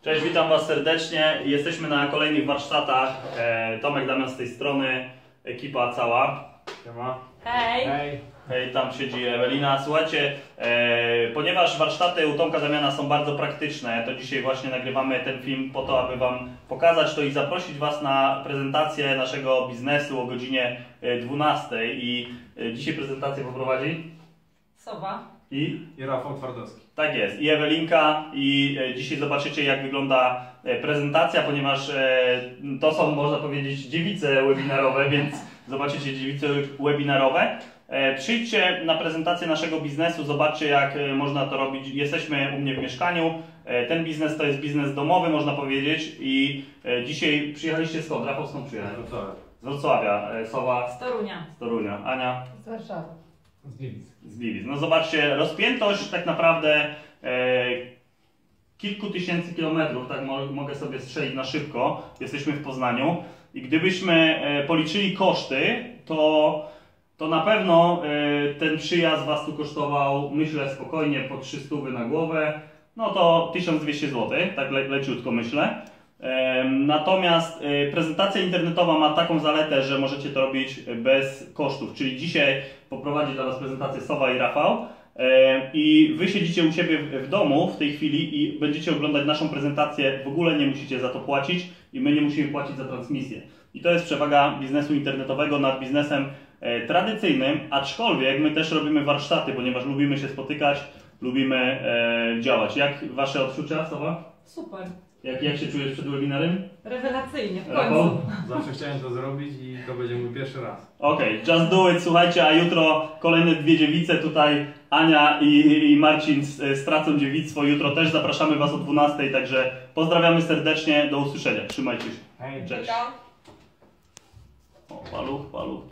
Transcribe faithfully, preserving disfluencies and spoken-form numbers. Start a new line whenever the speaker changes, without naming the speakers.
Cześć, witam Was serdecznie. Jesteśmy na kolejnych warsztatach. Tomek, Damian z tej strony, ekipa cała. Siema.
Hej!
Hej!
Hej, tam siedzi Ewelina. Słuchajcie, e, ponieważ warsztaty u Tomka Damiana są bardzo praktyczne, to dzisiaj właśnie nagrywamy ten film po to, aby Wam pokazać to i zaprosić Was na prezentację naszego biznesu o godzinie dwunastej. I e, dzisiaj prezentację poprowadzi
Sowa.
i...
I Rafał Twardowski.
Tak jest, i Ewelinka, i e, dzisiaj zobaczycie, jak wygląda e, prezentacja, ponieważ e, to są, można powiedzieć, dziewice webinarowe, więc zobaczycie dziewice webinarowe. E, przyjdźcie na prezentację naszego biznesu, zobaczcie, jak e, można to robić. Jesteśmy u mnie w mieszkaniu. E, ten biznes to jest biznes domowy, można powiedzieć, i e, dzisiaj przyjechaliście skąd? Rafał, skąd przyjechał? Z Wrocławia. E, Sowa?
Z Torunia.
Z Torunia. Ania?
Z Warszawy.
Z Gliwic.
Z Gliwic. No zobaczcie, rozpiętość tak naprawdę e, kilku tysięcy kilometrów, tak mo mogę sobie strzelić na szybko. Jesteśmy w Poznaniu i gdybyśmy e, policzyli koszty, to, to na pewno e, ten przyjazd Was tu kosztował, myślę, spokojnie po trzysta na głowę, no to tysiąc dwieście złotych, tak le leciutko myślę. Natomiast prezentacja internetowa ma taką zaletę, że możecie to robić bez kosztów, czyli dzisiaj poprowadzi dla Was prezentację Sowa i Rafał i Wy siedzicie u siebie w domu w tej chwili i będziecie oglądać naszą prezentację, w ogóle nie musicie za to płacić i my nie musimy płacić za transmisję. I to jest przewaga biznesu internetowego nad biznesem tradycyjnym, aczkolwiek my też robimy warsztaty, ponieważ lubimy się spotykać, lubimy działać. Jak Wasze odczucia, Sowa?
Super.
Jak, jak się czujesz przed webinarem?
Rewelacyjnie, w
Rafał?
końcu.
Zawsze chciałem to zrobić i to będzie mój pierwszy raz.
Okej, okay, just do it, słuchajcie, a jutro kolejne dwie dziewice tutaj, Ania i, i Marcin stracą dziewictwo. Jutro też zapraszamy Was o dwunastej, także pozdrawiamy serdecznie, do usłyszenia, trzymajcie się.
Hej!
Cześć. O, paluch, paluch.